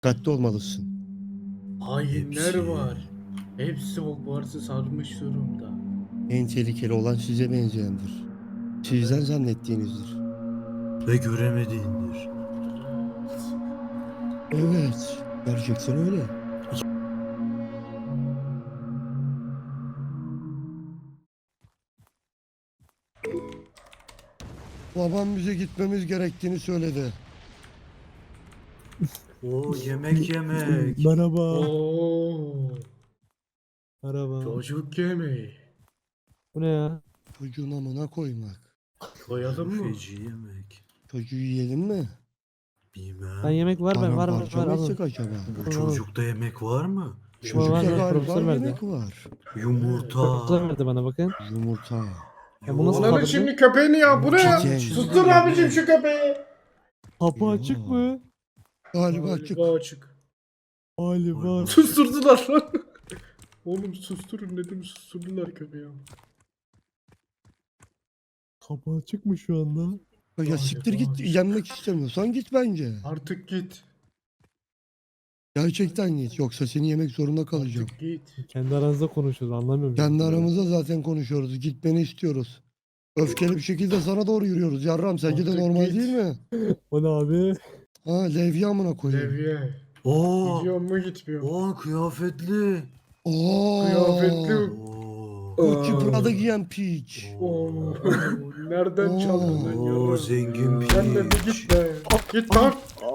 Dikkatli olmalısın. Hainler Hepsi. var. Hepsi Hogwarts'ı sarmış durumda. En tehlikeli olan size benzeyendir. Sizden zannettiğinizdir. Ve göremediğindir. Evet, gerçekten öyle. Babam bize gitmemiz gerektiğini söyledi. O yemek yemek. Merhaba. Oo, Merhaba. çocuk yemeği. Bu ne ya? Çocuğun amına koymak. Koyalım mı? Feci yemek. Çocuğu yiyelim mi? Bilmem. Ben yemek var ben var Paramparça mı alın. etsek acaba? Bu çocukta yemek var mı? Çocukta var, galiba profesör verdi. yemek var. Yumurta. Profesör verdi bana bakın. Yumurta. Ya bu nasıl Ananın kaldırdı? şimdi köpeğini ya, bu ne ya? Çiçeğin. Sustur abicim şu köpeği. Kapı Yo. açık mı? Galiba açık. Galiba açık. Galiba. Susturdular lan. Oğlum susturun dedim, susturdular köpeği. Kapı açık mı şu anda? Ya siktir git, yenmek istemiyorsan git bence. Artık git. Gerçekten git, yoksa seni yemek zorunda kalacağım. Artık git. Kendi aranızda konuşuyoruz anlamıyorum. Kendi aramızda zaten konuşuyoruz, gitmeni istiyoruz. Öfkeli bir şekilde sana doğru yürüyoruz. Yarram sence de Artık normal git. değil mi? O ne abi? Ha, levye amına koyayım. Levye. Oo. Gidiyor mu gitmiyor mu? Oo kıyafetli. Oo. Kıyafetli. Oo. Gucci Prada giyen piç. Oo. Nereden çaldın lan Oo yarram? zengin piç. Sen de bir git be. Git lan.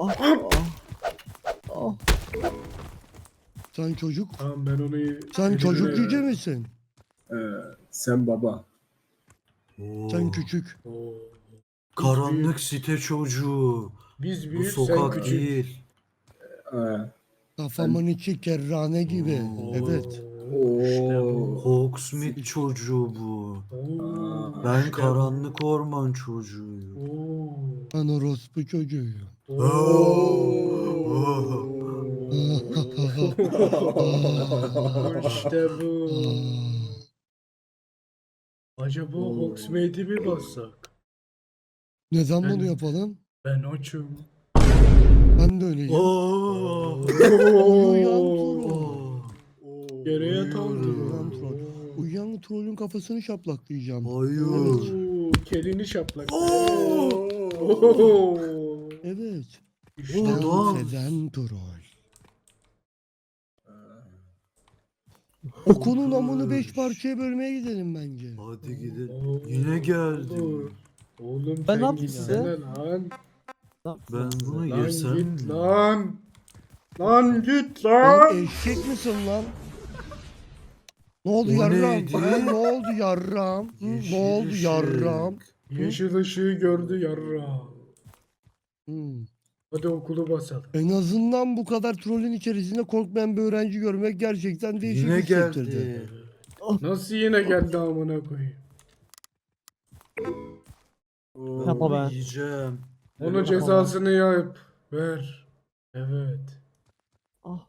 Sen çocuk. Tamam, ben onu... Sen çocuk yüce misin? Sen baba. Oo. Sen küçük. Oo. Karanlık site çocuğu. Biz Bu büyük, sen sokak küçük. değil. Ee, Kafamın içi kerrane gibi. Oo. Evet. İşte bu. Oo. Hawksmith çocuğu bu. Oo. Ben İşte karanlık orman çocuğuyum. Oo. Ben orospu çocuğuyum. İşte bu. Aa. Acaba Hogsmeade'i mi bassak? Neden Ben- bunu yapalım? Ben açım. Ben de öyleyim. Oo. Uyuyan troll. Oo. Geriye kaldı. Uyuyan troll. Uyuyan trollün kafasını şaplaklayacağım. Hayır. Oo, kelini şaplak. Oo. Oo. Evet. İşte Oo, Ben doğal. Sezen troll. Okulun amını 5 parçaya bölmeye gidelim bence. Hadi gidelim. Oo. Yine geldi. Oğlum Ben sen ne yaptım gitsene lan. Ben bunu Lan yesem git mi? lan. Lan git Lan lan. eşek misin lan? Ne oldu O yarram? neydi? Ha, ne oldu yarram? Hı, Yeşil ne oldu ışık. yarram? Yeşil ışığı gördü yarra. Hı. Hadi okulu basalım. En azından bu kadar trollün içerisinde korkmayan bir öğrenci görmek gerçekten değişik Yine hissettirdi. geldi. Nasıl yine geldi amına koyayım? Ben Yapma bunu be. yiyeceğim. Onun cezasını yap. Ver. Evet. Ah.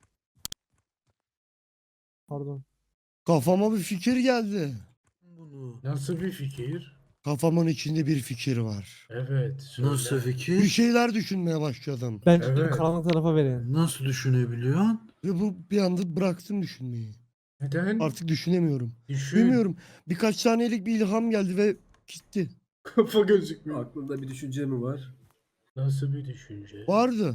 Pardon. Kafama bir fikir geldi. Bunu. Nasıl bir fikir? Kafamın içinde bir fikir var. Evet. Söyle. Nasıl Bir fikir? şeyler düşünmeye başladım. Bence Evet. karanlık tarafa verin. Nasıl düşünebiliyorsun? Ve bu bir anda bıraktım düşünmeyi. Neden? Artık düşünemiyorum. Düşün. Bilmiyorum. Birkaç saniyelik bir ilham geldi ve gitti. Kafa gözükmüyor. Aklında bir düşünce mi var? Nasıl bir düşünce? Vardı.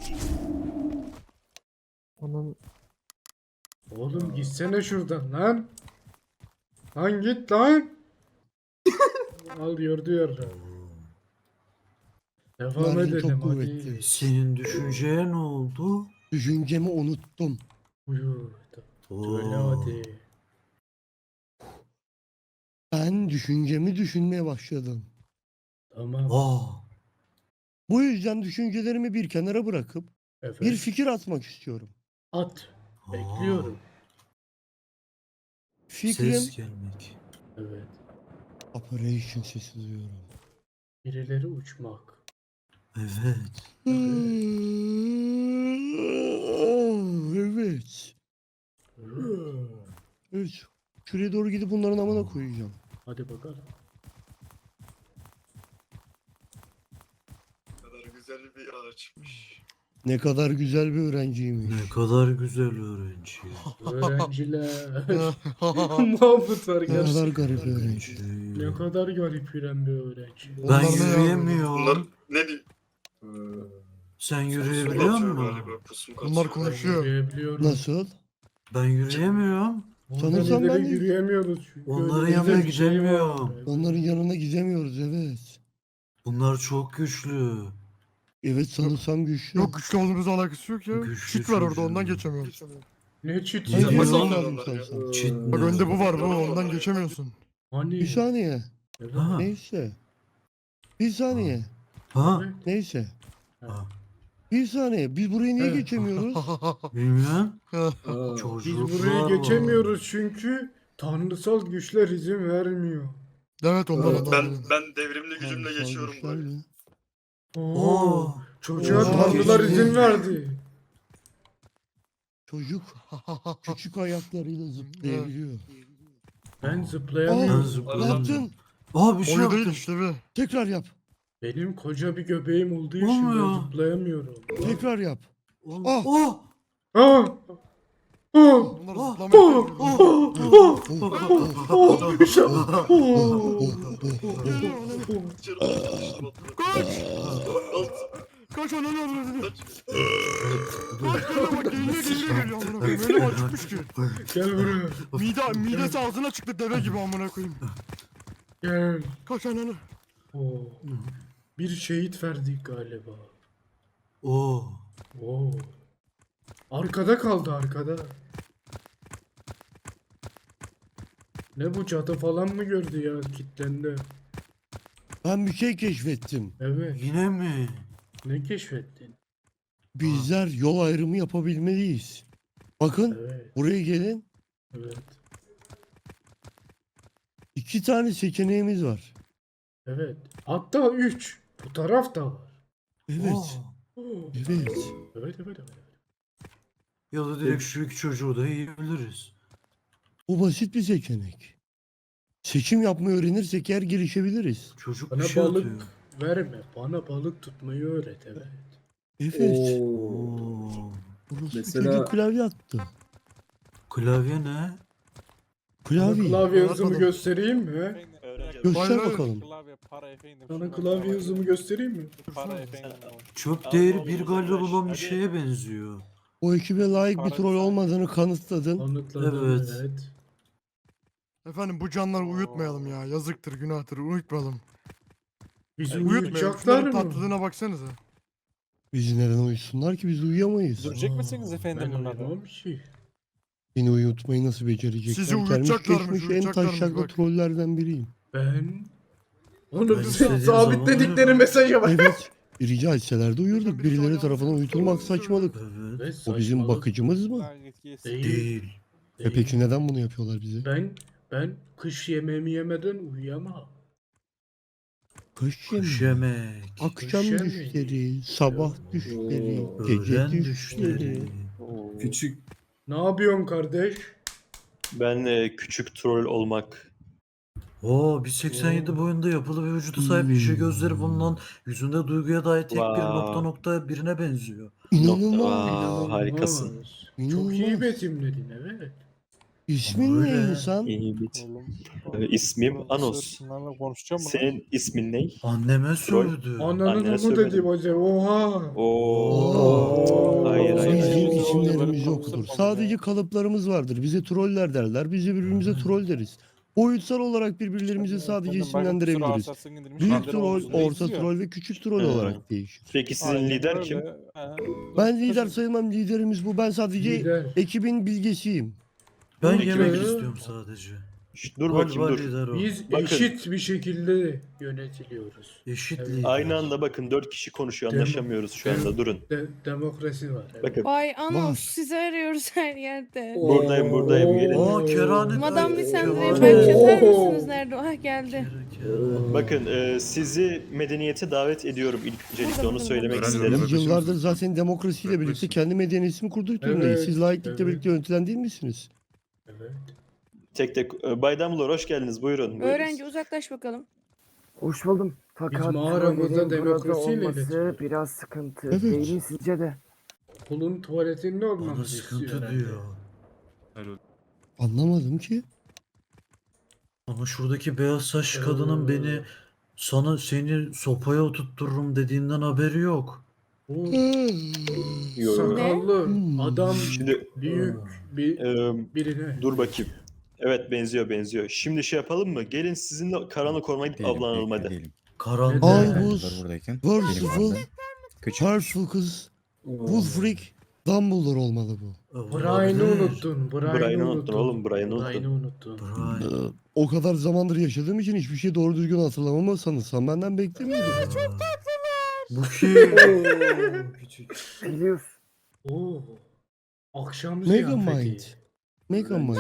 Onun Oğlum gitsene şuradan lan. Lan git lan. Al gördü yarra. Devam Mervin çok edelim kuvvetli. hadi. Senin düşünceye ne oldu? Düşüncemi unuttum. Buyur. Oo. Söyle hadi. Ben düşüncemi düşünmeye başladım. Tamam. Aa. Bu yüzden düşüncelerimi bir kenara bırakıp Evet. bir fikir atmak istiyorum. At. Bekliyorum. Fikrim Ses gelmek. Evet. Operation sesi duyuyorum. Birileri uçmak. Evet. Evet. Evet. Şuraya doğru gidip bunların amına koyacağım. Hadi bakalım. kadar güzel bir araçmış. Ne kadar güzel bir öğrenciymiş. Ne kadar güzel öğrenci. Öğrenciler. Mahmut var Ne kadar gerçekten. garip öğrenci. Ne kadar garip yürüyen bir öğrenci. Ben Bunlar ne ya? yürüyemiyorum. Bunlar ne diyor? Sen Pusum yürüyebiliyor katıyor musun? galiba. Pusum Bunlar katıyor. konuşuyor. Yürüyebiliyorum. Nasıl? Ben yürüyemiyorum. Sanırsam Ondan ben ileri de- yürüyemiyoruz. Çünkü Onların öyle yanına bir şey var. gidemiyorum. Evet. Onların yanına gidemiyoruz evet. Bunlar çok güçlü. Evet sanırsam güçlü. Yok güçlü olduğumuzla alakası yok ya. Güçlü Çit var orada çocuğum. ondan geçemiyorum. Ne çit Ne Nasıl diyorsun alıyorlar lazım ya? sanırsam. Çit Bak ne? önde bu var bu ondan geçemiyorsun. Hani? Bir saniye. Evet. Ha. Neyse. Bir saniye. Ha? Evet. Neyse. Ha. Bir saniye. Biz burayı niye Evet. geçemiyoruz? Bilmiyorum. Aa, Biz Çocuklar burayı var. geçemiyoruz çünkü tanrısal güçler izin vermiyor. Evet ondan Evet, ondan. Ben devrimli gücümle Tanrısal geçiyorum güçler böyle. mi? Oo. Çocuğa Oo. tanrılar Geçti. izin verdi. Çocuk küçük ayaklarıyla zıplayabiliyor. Ben Ben zıplayamıyorum. Ne zıplayamıyorum. yaptın? Aa bir şey Oyu değil yaptım. işte bir. Tekrar yap. Benim koca bir göbeğim olduğu için ben Olmuyor. zıplayamıyorum. Tekrar yap. Oh. Ah. Oh. Ah! Ah! Bunlar Oh, zıplamayı oh, seviyor. Kaç ananı avradını. Kaç geliyor bak geliyor amına koyayım. Öyle acıkmış ki. Gel buraya. Midesi ağzına çıktı deve gibi amına koyayım. Gel. Kaç ananı. Oo. Bir şehit verdik galiba. Oh. Oo. Arkada kaldı arkada. Ne bu cadı falan mı gördü ya kitlendi. Ben bir şey keşfettim. Evet. Yine mi? Ne keşfettin? Bizler yol ayrımı yapabilmeliyiz. Bakın Evet. buraya gelin. Evet. 2 tane seçeneğimiz var. Evet. Hatta 3. Bu taraf da var. Evet. Oh. Oo. Evet. Evet evet evet. Ya da direkt şu iki çocuğu da yiyebiliriz. Bu basit bir seçenek. Seçim yapmayı öğrenirsek eğer gelişebiliriz. Çocuk Bana bir şey balık atıyor. verme. Bana balık tutmayı öğret evet. Evet. Oo. Oo. Burası Mesela- çocuk klavye attı. Klavye ne? Klavye. Klavye hızımı Anlatmadım. göstereyim mi? Göster Hayır, hayır. bakalım. Klavye para efendim. Sana klavye hızımı göstereyim mi? Para efendim. Çöp değeri 1 galyon olan bir şeye benziyor. O ekibe layık bir troll olmadığını kanıtladın. Anıtladım Evet. evet. Efendim bu canları uyutmayalım ya. Yazıktır günahtır uyutmayalım. Bizi Uyutmayalım. uyutacaklar Şunların mı? tatlılığına baksanıza. Bizi neden uyusunlar ki biz uyuyamayız. Görecek misiniz efendim Ben bunları? uyumam ki. Beni uyutmayı nasıl becerecekler? Sizi Gelmiş uyutacaklarmış, geçmiş en uyutacaklarmış taşaklı bak. trollerden biriyim. Ben... Onu Ben istediğim sabitledikleri zaman mesaja bak. Evet. Rica etseler de uyurduk. Birileri tarafından uyutulmak saçmalık. Evet. Ve O bizim saçmalık. bakıcımız mı? Gayet yesin. Değil. Değil. E peki neden bunu yapıyorlar bize? Ben kış yemeğimi yemeden uyuyamam. Kış Kuş yemeği. yemek. Akşam Kış yemeği. düşleri, sabah düşleri, Oo. gece Öğlen düşleri. düşleri. Küçük Ne yapıyorsun kardeş? Ben küçük troll olmak. Oo 1.87 boyunda yapılı bir vücuda sahip işe gözleri bulunan yüzünde duyguya dair tek bir Wow. nokta birine benziyor. İnanılmaz. Harikasın. Çok iyi İnanılmaz. betimledin evet. İsmin ne Öyle. insan? İyi bit. Oğlum. İsmim oğlum, Anos. Bunlarla konuşacağım mı? Senin ismin ne? Anneme sövdü. Ananın Annene onu söyledim. dedi baca. Oha. Oo. Hayır hayır Bizim hayır. isimlerimiz yoktur. Sadece kalıplarımız vardır. Bize troller derler. Biz de birbirimize troll deriz. Boyutsal olarak birbirlerimizi sadece isimlendirebiliriz. Büyük troll, orta troll ve küçük troll Hı. olarak değişir. Peki sizin lider kim? Ben lider sayılmam. Liderimiz bu. Ben sadece Lider. ekibin bilgesiyim. Ben Peki. yemek istiyorum sadece. Şşt, dur bakayım Galiba dur. lider o. Biz Bakın. eşit bir şekilde yönetiliyoruz. Eşit Evet. lider. Aynı anda bakın 4 kişi konuşuyor anlaşamıyoruz şu anda durun. Demokrasi var. Evet. Bakın Vay Anos Var. sizi arıyoruz her yerde. buradayım gelin. Oo kerane. Madam Lisandre'ye Oo. belki atar mısınız nerede? Ah geldi. Bakın sizi medeniyete davet ediyorum ilk öncelikle onu söylemek Öğrenci isterim. olarak- Biz yıllardır zaten demokrasiyle birlikte kendi medeniyetimi kurduk durumdayız. Evet, Siz laiklikle evet. birlikte yönetilen değil misiniz? Evet. Tek tek Bay Dumbledore hoş geldiniz buyurun. buyurun. Öğrenci uzaklaş bakalım. Hoş buldum. Fakat mağaramızda trollerin burada demokrasiyle olması iletişim. biraz sıkıntı Evet. değil mi sizce de? okulun tuvaletinde Bana olmamızı sıkıntı istiyor herhalde. diyor. Anlamadım ki. Ama şuradaki beyaz saçlı kadının beni seni sopaya oturttururum dediğinden haberi yok. O Yo. sakallı Hmm. adam Şimdi büyük bir e, birine. dur bakayım. Evet benziyor. Şimdi şey yapalım mı? Gelin sizinle karanlık ormana gidip avlanalım hadi. Karanlık. Neden? Albus, Percival, Percival kız, Wulfric, Dumbledore olmalı bu. Brian'ı unuttun. Brian'ı unuttun oğlum, Brian'ı Brian'ı unuttun. Brian. O kadar zamandır yaşadığım için hiçbir şey doğru düzgün hatırlamamı sanırsam benden beklemiyordum. Bu kim? Küçük. Biliyorsun. Oo. Akşam Megamind. ziyafeti. Megamind.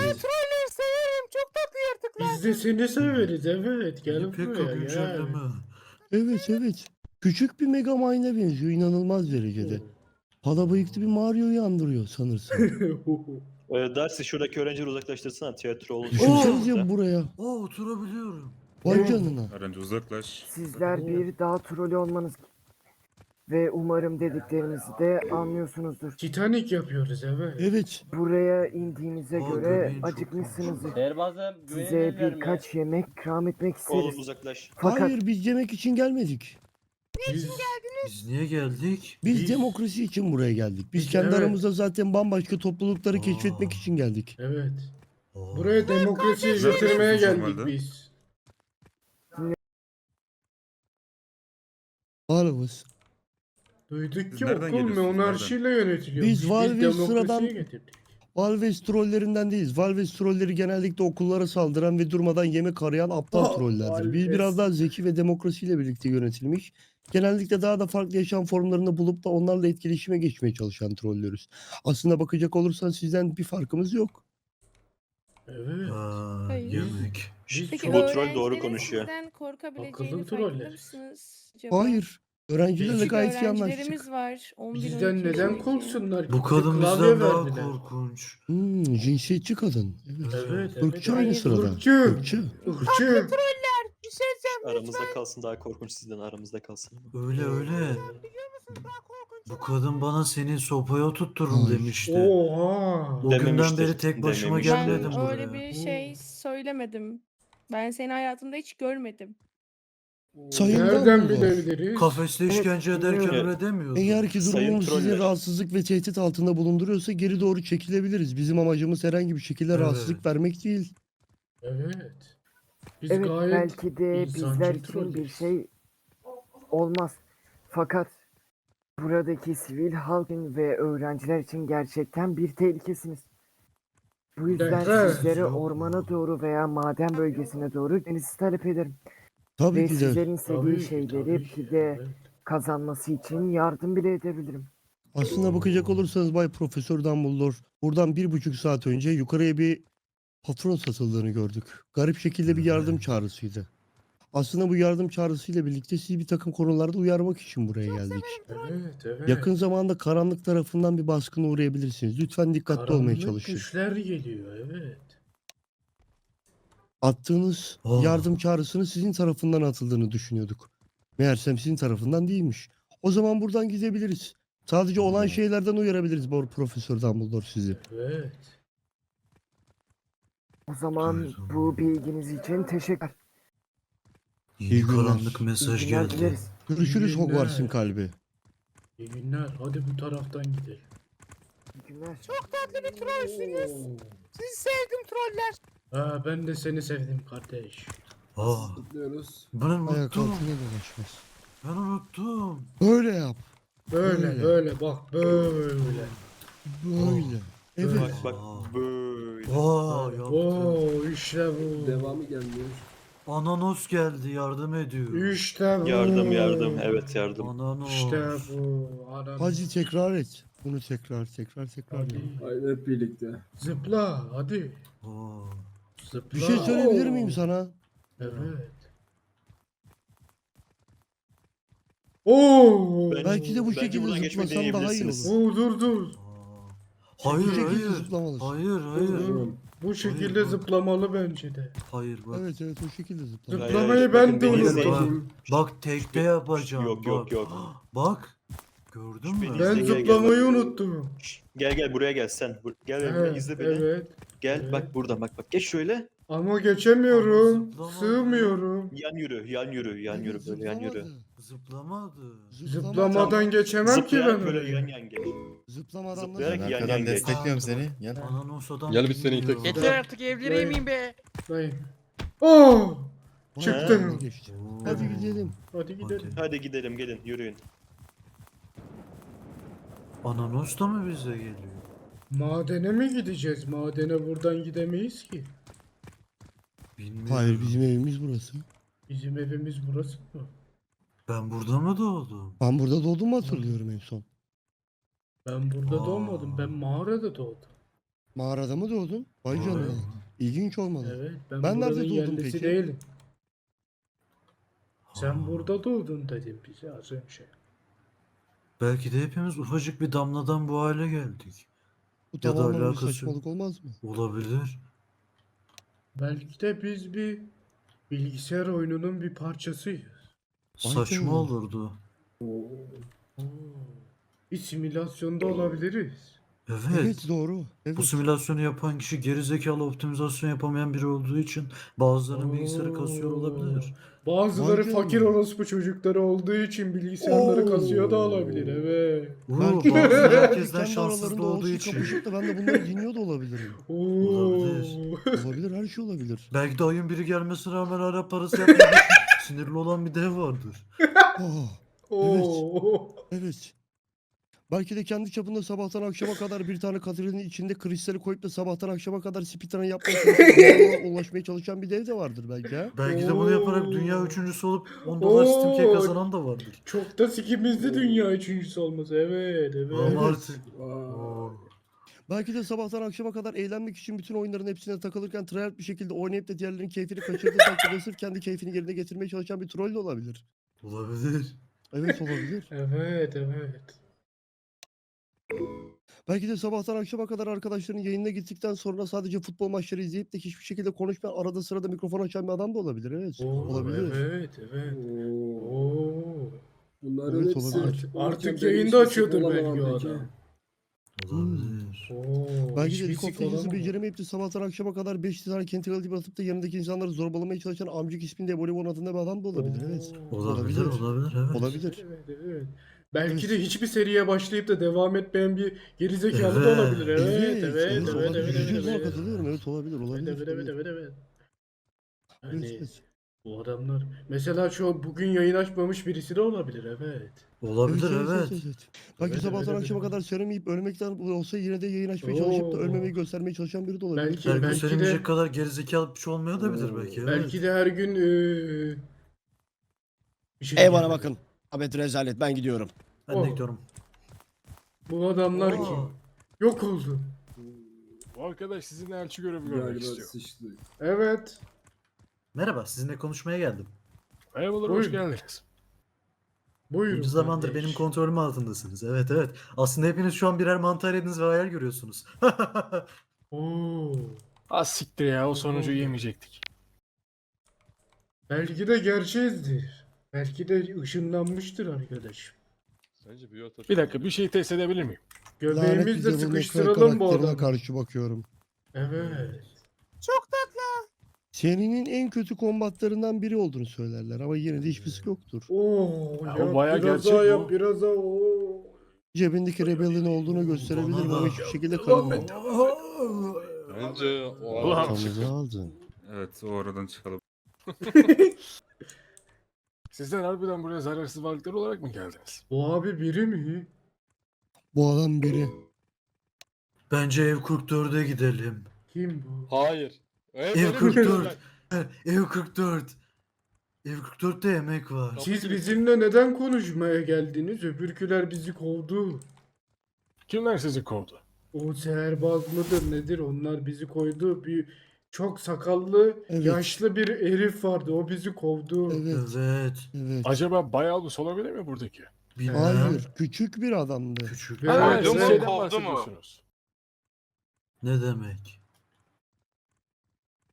Biz de seni severiz evet. Gel Pek buraya gel. güncelleme. Evet. Küçük bir Megamind'e benziyor inanılmaz derecede. Hala bıyıklı bir Mario'yu andırıyor sanırsam. Darcy şuradaki öğrencileri uzaklaştırsana tiyatro olur. Düşünsenize buraya. Aa oturabiliyorum. Vay canına. Öğrenci uzaklaş. Sizler bir dağ trolü olmanız ve umarım dediklerimizi de anlıyorsunuzdur. Titanic yapıyoruz evet. Evet. Buraya indiğinize Aa, göre göbeğin çok acıkmışsınızdır. Derbazım Size birkaç yemek ikram etmek Oğlum isteriz. uzaklaş. Fakat Hayır biz yemek için gelmedik. Biz niye geldik? Biz Biz- demokrasi için buraya geldik. Biz Biz- kendi evet. aramızda zaten bambaşka toplulukları Aa. keşfetmek için geldik. Evet. Aa. Buraya demokrasiyi Nerede getirmeye yaşıyorsunuz geldik normalde? biz. Varımız. Duyduk Siz ki nereden okul geliyorsunuz, monarşiyle yönetiliyor. Biz Valve demokrasiyi sıradan- getirdik. Valves trollerinden değiliz. Valves trolleri genellikle okullara saldıran ve durmadan yemek arayan aptal Oh, trollerdir. Biz Valves. biraz daha zeki ve demokrasiyle birlikte yönetilmiş. Genellikle daha da farklı yaşam formlarını bulup da onlarla etkileşime geçmeye çalışan trolleriz. Aslında bakacak olursan sizden bir farkımız yok. Evet. Aa, Hayır. yemek. Biz Peki Bu troll doğru öğrencilerin konuşuyor. sizden korkabileceğini Akıllı farkında troller. mısınız acaba? Hayır. Öğrencilerle Biz- gayet iyi anlaştık. Öğrencilerimiz var. 11, Bizden 12 neden yaşındaki. korksunlar ki? Bu Bize kadın klavye bizden daha verdiler. korkunç. Cinsiyetçi kadın. Evet. Evet, Irkçı evet. aynı Hayır. sırada. Irkçı. Irkçı. Irkçı. Aramızda kalsın daha korkunç sizden aramızda kalsın. Öyle. Bu kadın bana seni sopaya tuttururum Hayır. demişti. Oha. O günden Dememiştir, beri tek başıma dememiştir. Ben gelmedim buraya. öyle bir şey söylemedim. Ben seni hayatımda hiç görmedim. Sayın Nereden Dumbledore. bilebiliriz? Kafeste işkence ederken Evet. öyle demiyordu. Eğer ki Sayın durumumuz sizi troller. rahatsızlık ve tehdit altında bulunduruyorsa geri doğru çekilebiliriz. Bizim amacımız herhangi bir şekilde Evet. rahatsızlık vermek değil. Evet. Biz evet gayet belki de insancıl bizler için bir trolleriz. şey olmaz. Fakat buradaki sivil halkın ve öğrenciler için gerçekten bir tehlikesiniz. Bu yüzden Evet. sizlere Yok. ormana doğru veya maden bölgesine doğru gitmenizi talep ederim. Tabii Ve ki de. sizlerin istediği Tabii ki, şeyleri tabii ki, bir de evet. kazanması için yardım bile edebilirim. Aslında bakacak olursanız Bay Profesör Dumbledore buradan 1,5 saat önce yukarıya bir patron satıldığını gördük. Garip şekilde bir yardım çağrısıydı. Aslında bu yardım çağrısıyla birlikte sizi bir takım konularda uyarmak için buraya geldik. Evet. Yakın zamanda karanlık tarafından bir baskına uğrayabilirsiniz. Lütfen dikkatli olmaya Karanlık çalışın. güçler geliyor evet. Attığınız Oh. yardım çağrısının sizin tarafından atıldığını düşünüyorduk. Meğersem sizin tarafından değilmiş. O zaman buradan gidebiliriz. Sadece olan şeylerden uyarabiliriz Profesör Dumbledore sizi. Evet. O zaman Evet, bu bilginiz için teşekkür. İyi Yeni günler. karanlık mesaj İyi günler geldi. dileriz. Görüşürüz İyi günler. Hogwarts'ın kalbi. İyi günler. Hadi bu taraftan gidelim. İyi günler. Tatlı bir trollsünüz. Oo. Sizi sevdim troller. Ha, ben de seni sevdim kardeş. Aa, Kutluyoruz. ben Ayak unuttum. altına dolaşmaz. Ben unuttum. Böyle yap. Böyle Böyle. böyle bak böyle. Böyle. Evet. Bak böyle. Aa, yaptım. Oo işte bu. Devamı gelmiyor. Ananos geldi yardım ediyor. İşte bu. Yardım evet yardım. Ananos. İşte bu. Anam. Hadi tekrar et. Bunu tekrar. Hadi. yap. Haydi hep birlikte. Zıpla hadi. Aa, Zıpla. Bir şey söyleyebilir Oo. miyim sana? Evet. Oo. Belki de bu Bence şekilde buradan geçmeyi zıplasam daha iyi deneyebilirsiniz. olur. Oo dur. aa. Bu Hayır şekilde hayır. zıplamalısın. Hayır hayır. Dur. Bu şekilde Hayır, zıplamalı bence de. Hayır bak. Evet o şekilde zıplamalısın. Zıplamayı ben bakın de beni unuttum. izleyin. Bak tekte yapacağım. Yok, bak. yok. Bak. Gördün mü? Beni Ben izle, gel, gel. zıplamayı unuttum. Gel buraya gel sen. Gel benimle Evet, izle beni. evet. Gel evet. bak buradan bak geç şöyle. Ama geçemiyorum. Ama zıplamadı. Sığmıyorum. Yan yürü Evet, böyle yan yürü. zıplamadı. Zıplamadı. Zıplamadan geçemem ki ben Zıplayarak böyle oraya. yan geç. Zıplamadan Zıplayarak nasıl? yan Arkadan yan geç. destekliyorum seni. Gel. Ananosa'dan Gel biz seni geliyor. itek- Yeter artık evleneyim miyim be? Dayı. Oh! Vay, Çıktım. önüne geçti. Hadi gidelim. Hadi gidelim. Hadi gidelim gelin yürüyün. Ananos da mı bize geliyor? Madene mi gideceğiz? Madene buradan gidemeyiz ki. Bilmiyorum. Hayır, bizim evimiz burası. Bizim evimiz burası mı? Ben burada mı doğdum? Ben burada doğdum mu hatırlıyorum en son. Ben burada Aa. doğmadım. Ben mağarada doğdum. Mağarada mı doğdun? Vay Evet. canına. İlginç olmalı. Evet. Ben Ben nerede buranın doğdum yerlisi peki? değilim. Sen Ha. burada doğdun dedim bize az önce. Belki de hepimiz ufacık bir damladan bu hale geldik. Bu Ya da tamamen bir alakası yok. saçmalık olmaz mı? Olabilir. Belki de biz bir bilgisayar oyununun bir parçasıyız. Vay Saçma canına. olurdu. Oo. Bir simülasyonda olabiliriz. Evet. Evet, doğru. Evet. Bu simülasyonu yapan kişi gerizekalı optimizasyon yapamayan biri olduğu için bazılarının bilgisayarı kasıyor olabilir. Bazıları Vay fakir canına. orospu çocukları olduğu için bilgisayarları kasıyor da olabilir, evet. Belki Bazıları de herkesten kendi şanssız aralarında doğduğu olsun için. kapışıp da ben de bunları dinliyor da olabilirim. Olabilir. Olabilir, her şey olabilir. Belki de ayın biri gelmesine rağmen hala parası yapmak için sinirli olan bir dev vardır. Oh, Oo. evet. Belki de kendi çapında sabahtan akşama kadar bir tane katilin içinde kristali koyup da sabahtan akşama kadar speedrun yapmaya çalışan, ulaşmaya çalışan bir dev de vardır belki ha. Belki de bunu yaparak Oo. dünya üçüncüsü olup 10 dolar Steam Key Oo. kazanan da vardır. Çok da sikimizde dünya üçüncüsü olması, evet, evet. Ama Evet. artık Vay. Belki de sabahtan akşama kadar eğlenmek için bütün oyunların hepsine takılırken tryhard bir şekilde oynayıp da diğerlerinin keyfini kaçırdığı takdirde sırf kendi keyfini yerine getirmeye çalışan bir troll de olabilir. olabilir. Evet, olabilir. Evet, evet. Belki de sabahtan akşama kadar arkadaşlarının yayınına gittikten sonra sadece futbol maçları izleyip de hiçbir şekilde konuşmayan, arada sırada mikrofon açan bir adam da olabilir. Evet, Oo, olabilir. Evet, evet. Oo. Bunların Evet, hepsi olabilir. Artık benim yayında hiçbir açıyordur olamam belki o peki. adam. Olabilir. Oo, Belki de hiçbir League of sik Legends'ı olamam. beceremeyip de sabahtan akşama kadar 5 tane Kentucky gibi atıp da yanındaki insanları zorbalamaya çalışan amcık isminde voleybol adında bir adam da olabilir. Evet. Olabilir, Olabilir. olabilir, evet. Olabilir. Evet, evet. Belki Evet. de hiçbir seriye başlayıp da devam etmeyen bir gerizekalı da Evet. olabilir. Evet, evet, evet, evet, olabilir. evet, Yüzde evet, yüz evet. katılıyorum. Evet, olabilir, olabilir. Evet, evet, evet, evet. Evet, Hani evet. bu adamlar mesela şu bugün yayın açmamış birisi de olabilir, evet. Olabilir, evet. Belki Evet, sabahtan evet, akşama evet. kadar söylemeyip ölmekten olsa yine de yayın açmaya çalışıp da Oo. ölmemeyi göstermeye çalışan biri de olabilir. Belki- Her gün belki söylemeyecek de- kadar gerizekalı bir şey olmaya da bilir belki. Evet. Belki de her gün bir şey Ey bana gelmedi. bakın. Ahmet rezalet, ben gidiyorum. Ben de Oh. gidiyorum. Bu adamlar Oo. kim? Yok oldu. Bu arkadaş sizinle elçi görevi görmek Galiba istiyor. sıçtı. Evet. Merhaba, sizinle konuşmaya geldim. Merhabalar, Buyurun. hoş geldiniz. Buyurun. Bunca zamandır kardeş. benim kontrolüm altındasınız. Evet, evet. Aslında hepiniz şu an birer mantar yediniz ve hayal görüyorsunuz. Oo. Az siktir ya, o sonucu yemeyecektik. Belki de gerçeğizdir. Belki de ışınlanmıştır arkadaş. Bir dakika, bir şey test edebilir miyim? Lanet Göbeğimizle bize bu sıkıştıralım bu karakterine adamı. karşı bakıyorum. Evet. Serinin en kötü kombatlarından biri olduğunu söylerler ama yine de hiçbir sık yoktur. Oo, Ya yap, o bayağı biraz gerçek daha bu. yap, biraz daha. Oo. Cebindeki rebelin olduğunu gösterebilirim Bana ama da. hiçbir şekilde kanamam. Bence o Ulan. Ortamızı aldın. Evet, o aradan çıkalım. Sizler harbiden buraya zararsız varlıklar olarak mı geldiniz? Bu abi biri mi? Bu adam biri. Bence ev 44'e gidelim. Kim bu? Hayır. Ev 44. Ev 44. Ev 44'te yemek var. Siz bizimle neden konuşmaya geldiniz? Öbürküler bizi kovdu. Kimler sizi kovdu? O seherbaz mıdır nedir? Onlar bizi koydu. Bir çok sakallı, Evet. yaşlı bir herif vardı. O bizi kovdu. Evet. Evet. Evet. Acaba Bayalbus olabilir mi buradaki? Bilmem. Hayır. Küçük bir adamdı. Küçük. Evet, Ha, evet. siz şeyden bahsediyorsunuz. Ne demek?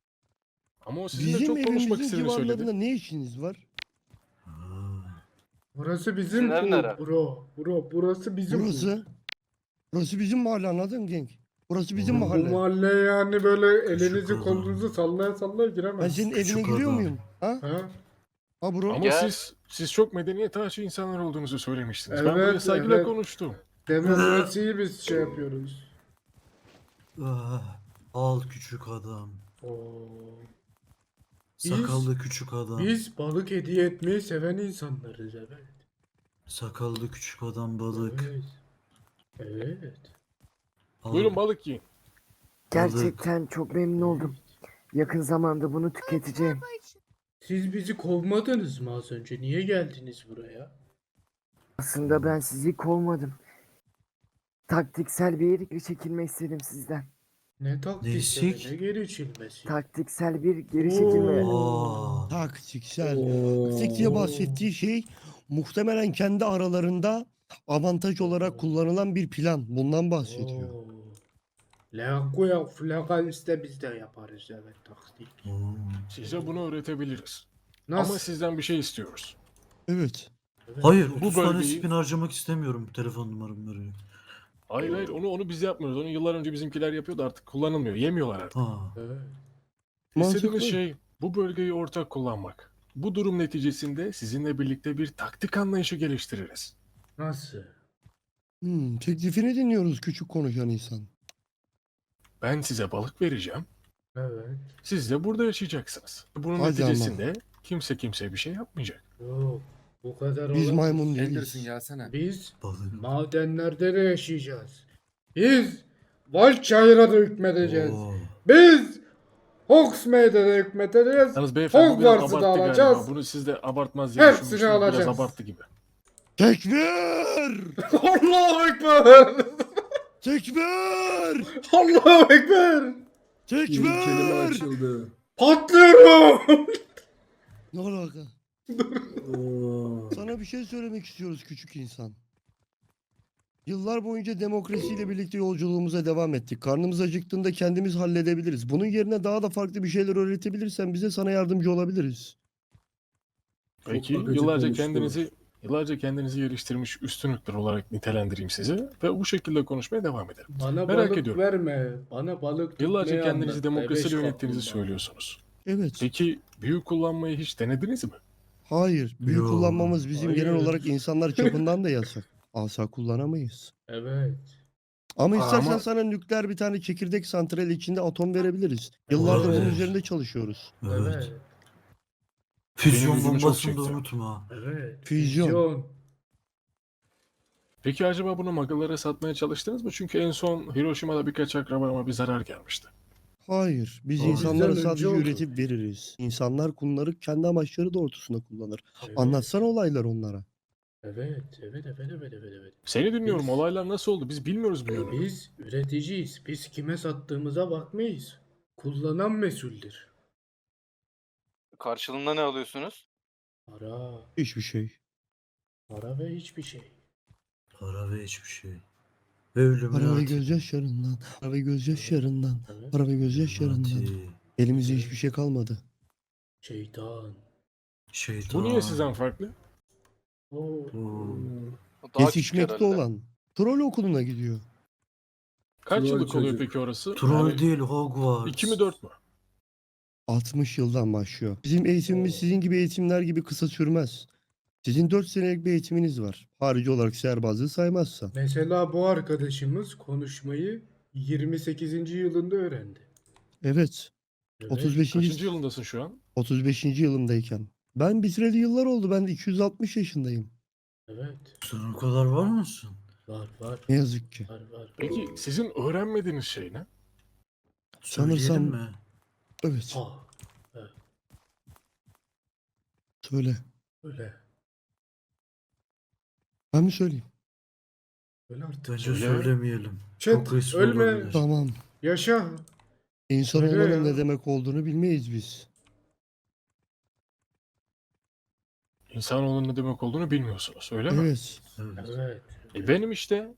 Ama o sizinle Bizim çok konuşmak evimizin istediğini civarlarında söyledi. ne işiniz var? Ha. Burası bizim Sizin ev nere? burası bizim Burası bizim mahalle, anladın mı genç? Burası bizim Bu Bu mahalle. mahalleye yani böyle Küçük elinizi adam. kolunuzu sallaya sallaya Ben giremez. senin Küçük evine giriyor adam. muyum? Ha? Ha? Ha bro. Ama Gel. siz çok medeniyet aşığı insanlar olduğunuzu söylemiştiniz. Ben Evet, buraya saygıyla evet. konuştum. Demokrasiyi biz şey yapıyoruz. Al küçük adam. Oo. Sakallı küçük adam. Biz balık hediye etmeyi seven insanlarız, evet. Sakallı küçük adam balık. Evet. Evet. Al. Buyurun balık yiyin. Gerçekten çok memnun oldum. Yakın zamanda bunu tüketeceğim. Siz bizi kovmadınız mı az önce? Niye geldiniz buraya? Aslında ben sizi kovmadım. Taktiksel bir geri çekilme istedim sizden. Ne taktiksel, Değişik. ne geri içilmesi? Taktiksel bir geri çekilme. Aa. Taktiksel. Oo. Taktik diye bahsettiği şey muhtemelen kendi aralarında avantaj olarak kullanılan bir plan. Bundan bahsediyor. Oo. Lagoya Flagans'te biz de yaparız, evet, taktik. Oo. Size bunu öğretebiliriz. Nasıl? Ama sizden bir şey istiyoruz. Evet. Evet. Hayır, Bu 30 tane bölgeyi- spin harcamak istemiyorum. Telefon numaramı veriyor. Hayır onu biz yapmıyoruz. Onu yıllar önce bizimkiler yapıyordu, artık kullanılmıyor. Yemiyorlar artık. Ha. Evet. İstediğimiz Mantıklı. şey bu bölgeyi ortak kullanmak. Bu durum neticesinde sizinle birlikte bir taktik anlayışı geliştiririz. Nasıl? Teklifini dinliyoruz küçük konuşan insan. Ben size balık vereceğim. Evet. Siz de burada yaşayacaksınız. Bunun Hadi neticesinde kimse kimseye bir şey yapmayacak. Yok. Bu kadar Biz olamaz. maymun değiliz. Anderson gelsene. Biz Balık. madenlerde de yaşayacağız. Biz Valçayır'a da hükmedeceğiz. Oo. Biz Hogsmeade'e de hükmedeceğiz. Yalnız beyefendi bu biraz Hogwarts'ı da abarttı alacağız. galiba. Bunu siz de abartmaz diye Hepsini düşünmüştüm. Biraz alacağız. abarttı gibi. Tekbir! Allahu Ekber! Tekbir! Allahu Ekber! Tekbir! açıldı. Patlıyorum! Ne alaka? Sana bir şey söylemek istiyoruz küçük insan. Yıllar boyunca demokrasiyle birlikte yolculuğumuza devam ettik. Karnımız acıktığında kendimiz halledebiliriz. Bunun yerine daha da farklı bir şeyler öğretebilirsen bize sana yardımcı olabiliriz. Peki akıcı yıllarca kendinizi geliştirmiş üstünlükler olarak nitelendireyim sizi ve bu şekilde konuşmaya devam edelim. Bana Merak balık ediyorum. verme. Bana balık Yıllarca tutmayı kendinizi anlat. demokrasiyle Bebeş yönettiğinizi kaplumbağa. söylüyorsunuz. Evet. Peki büyü kullanmayı hiç denediniz mi? Hayır. Büyü Yo. kullanmamız bizim genel Hayır. olarak insanlar çapından da yasak. Asa kullanamayız. Evet. Ama istersen Ama- sana nükleer bir tane çekirdek santrali içinde atom verebiliriz. Yıllardır bunun Evet. üzerinde çalışıyoruz. Evet. Evet. Füzyon Benim ilgimi çok bombasını da çekti. unutma. Evet. Füzyon. Peki acaba bunu Magalara satmaya çalıştınız mı? Çünkü en son Hiroşima'da birkaç akrabama bir zarar gelmişti. Hayır. Biz Aa, insanlara bizden önce sadece oldu. üretip veririz. İnsanlar bunları kendi amaçları doğrultusunda kullanır. Evet. Anlatsana olayları onlara. Evet. Evet. Seni dinliyorum. Biz- Olaylar nasıl oldu? Biz bilmiyoruz bu yönü. Biz üreticiyiz. Biz kime sattığımıza bakmayız. Kullanan mesuldür. Karşılığında ne alıyorsunuz? Para. Hiçbir şey. Para ve hiçbir şey. Para ve hiçbir şey. Ve ölümün Para ve artı. gözyaşlarından. Para ve gözyaşlarından. Evet. Para ve gözyaşlarından. Elimizde hiçbir şey kalmadı. Şeytan. Şeytan. Bu niye sizden farklı? Oo. Oo. O daha küçük Yetişmekte herhalde. olan. Troll okuluna gidiyor. Kaç Troll yıllık oluyor çocuk. peki orası? Troll Yani değil, Hogwarts. 2 mi 4 mü? 60 yıldan başlıyor. Bizim eğitimimiz Oo. sizin gibi eğitimler gibi kısa sürmez. Sizin 4 senelik bir eğitiminiz var. Harici olarak serbazlığı saymazsan. Mesela bu arkadaşımız konuşmayı 28. yılında öğrendi. Evet. Evet. 35. Kaçıncı yılındasın şu an? 35. yılımdayken. Ben bitireli yıllar oldu. Ben de 260 yaşındayım. Evet. Sen o kadar var mısın? Var. Ne yazık ki. Var. Peki sizin öğrenmediğiniz şey ne? Söyleyelim Sanırsam- mi? Evet. Ah. Söyle. Öyle. Ben mi söyleyeyim? Öyle artık. Bence Söyle. söylemeyelim. Chat, Çok riskli ölme. olabilir. Tamam. Yaşa. İnsan Söyle olmanın ya. ne demek olduğunu bilmeyiz biz. İnsanoğlunun ne demek olduğunu bilmiyorsunuz, öyle mi? Evet. Evet. Evet. Benim işte.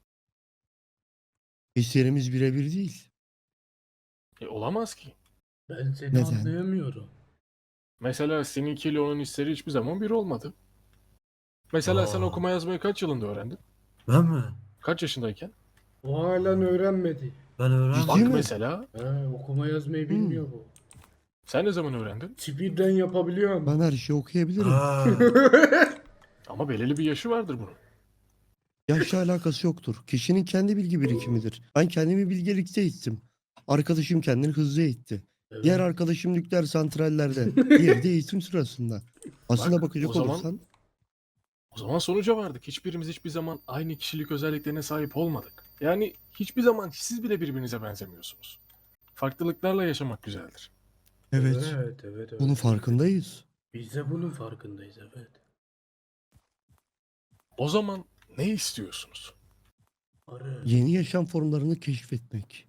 Hislerimiz birebir değil. Olamaz ki. Ben seni Neden? anlayamıyorum. Mesela seninkiyle onun hisleri hiçbir zaman bir olmadı. Mesela sen Aa. okuma yazmayı kaç yılında öğrendin? Ben mi? Kaç yaşındayken? O halen öğrenmedi. Ben öğrendim. Bak Değil mi? mesela Okuma yazmayı bilmiyor bu. sen ne zaman öğrendin? Speedrun yapabiliyorum. Ben her şeyi okuyabilirim. Ha. Ama belirli bir yaşı vardır bunun. Yaşla alakası yoktur. Kişinin kendi bilgi birikimidir. Ben kendimi bilgelikte eğittim. Arkadaşım kendini hızlı eğitti. Evet. Diğer arkadaşım nükleer santrallerde. Diğeri de eğitim sırasında. Aslında Bak, bakacak o zaman- olursan O zaman sonuca vardık. Hiçbirimiz hiçbir zaman aynı kişilik özelliklerine sahip olmadık. Yani hiçbir zaman siz bile birbirinize benzemiyorsunuz. Farklılıklarla yaşamak güzeldir. evet, Evet. bunun farkındayız. Biz de bunun farkındayız evet. O zaman ne istiyorsunuz? Arı. Yeni yaşam formlarını keşfetmek.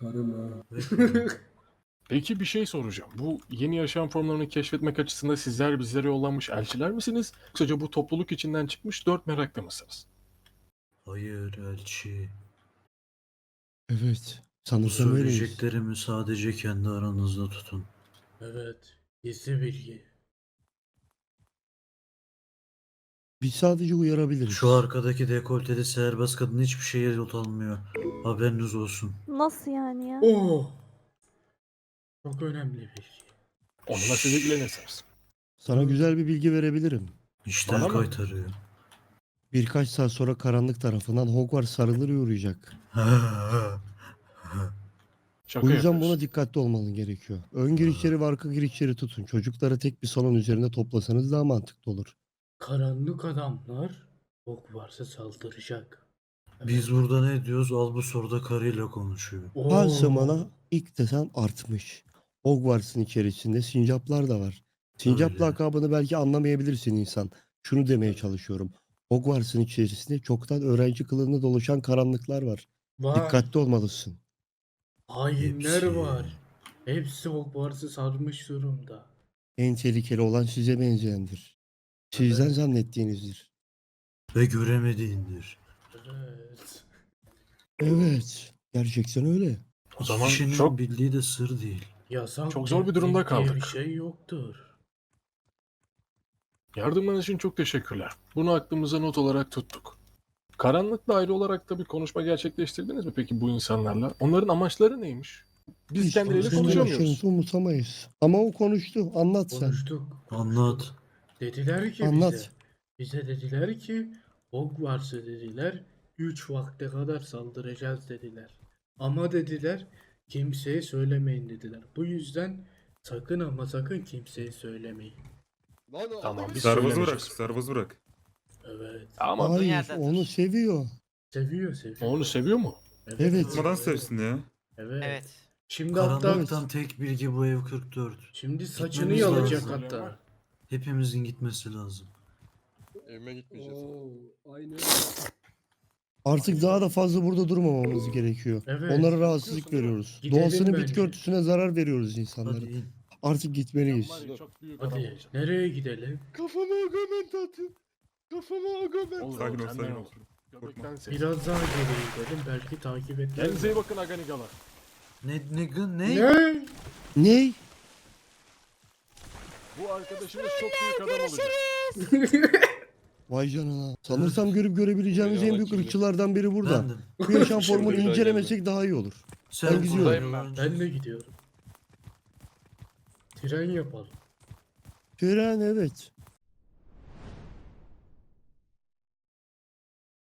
Peki bir şey soracağım. Bu yeni yaşam formlarını keşfetmek açısından sizler bizlere yollanmış elçiler misiniz? Yoksa bu topluluk içinden çıkmış 4 meraklı mısınız? Hayır elçi. Evet. Bu Sanırsam öyleyiz. söyleyeceklerimi sadece kendi aranızda tutun. Evet. Gizli bilgi. Biz sadece uyarabiliriz. Şu arkadaki dekolteli serbest kadın hiçbir şeye yol almıyor. Haberiniz olsun. Nasıl yani ya? Oh. Çok önemli bilgi. Onunla siz ilgilenirsiniz. Sana güzel bir bilgi verebilirim. İşten Bana mı? kaytarıyor. Birkaç saat sonra karanlık tarafından Hogwarts sarılır uğrayacak. Şaka Bu yüzden yapıyorsun. buna dikkatli olman gerekiyor. Ön girişleri ve arka girişleri tutun. Çocukları tek bir salon üzerinde toplasanız daha mantıklı olur. Karanlık adamlar Hogwarts'a saldıracak. Biz burada ne diyoruz? Albus orada karıyla konuşuyor. Her zamana ilk desen artmış. Hogwarts'ın içerisinde sincaplar da var. Sincap Öyle. lakabını belki anlamayabilirsin insan. Şunu demeye çalışıyorum. Hogwarts'ın içerisinde çoktan öğrenci kılığında dolaşan karanlıklar var. Var. Dikkatli olmalısın. Hainler Hepsi. var. Hepsi Hogwarts'ı sarmış durumda. En tehlikeli olan size benzeyendir. Sizden Evet. zannettiğinizdir. Ve göremediğindir. Evet. Evet. Gerçekten öyle. O zaman Kişinin çok bildiği de sır değil. Yasak Çok zor bir durumda tehdit diye kaldık. bir şey yoktur. yardımlarınız için çok teşekkürler. Bunu aklımıza not olarak tuttuk. Karanlıkla ayrı olarak da bir konuşma gerçekleştirdiniz mi peki bu insanlarla? Onların amaçları neymiş? Biz kendileriyle Sizin konuşamıyoruz. yaşınızı unutamayız. Ama o konuştu. Anlat sen. Konuştuk. Anlat. Dediler ki Anlat. bize. Bize dediler ki Hogwarts'ı dediler 3 vakte kadar saldıracağız dediler. Ama dediler kimseye söylemeyin dediler. Bu yüzden sakın ama sakın kimseye söylemeyin. Tamam biz Serbest bırak, söylemeyeceğiz. serbest bırak. Evet. Ama Hayır, onu seviyor. Seviyor. onu seviyor mu? Evet. Tutmadan sevsin ya. Evet. Şimdi hatta Karanlıktan tek bilgi bu ev 44. şimdi saçını Gitmemiz yalacak lazım. hatta. Hepimizin gitmesi lazım. Evime gitmeyeceğiz. Artık daha da fazla burada durmamamız gerekiyor. Evet. Onlara rahatsızlık veriyoruz. Gidelim Doğasının bitki bence. örtüsüne zarar veriyoruz Hadi insanların. in. Artık gitmeliyiz. Var ya, çok büyük adam Hadi olacak. nereye gidelim? Kafama agament atı. Kafama agament. Olur, Sakin ol, olur, sakin senden ol. olur. Göbekten ses. Biraz daha geriye gidelim belki takip etmez. Kendinize iyi bakın Aganigalar. Ne? Ne? Ney? Bu arkadaşımız çok büyük adam olacak. Vay canına. Sanırsam görüp görebileceğimiz en büyük ırkçılardan biri burada. Bendim. Bu yaşam Şimdi formunu bir daha incelemesek daha iyi olur. Sen Ben gidiyorum. buradayım Ben de gidiyorum. Tren yapalım. Tren evet.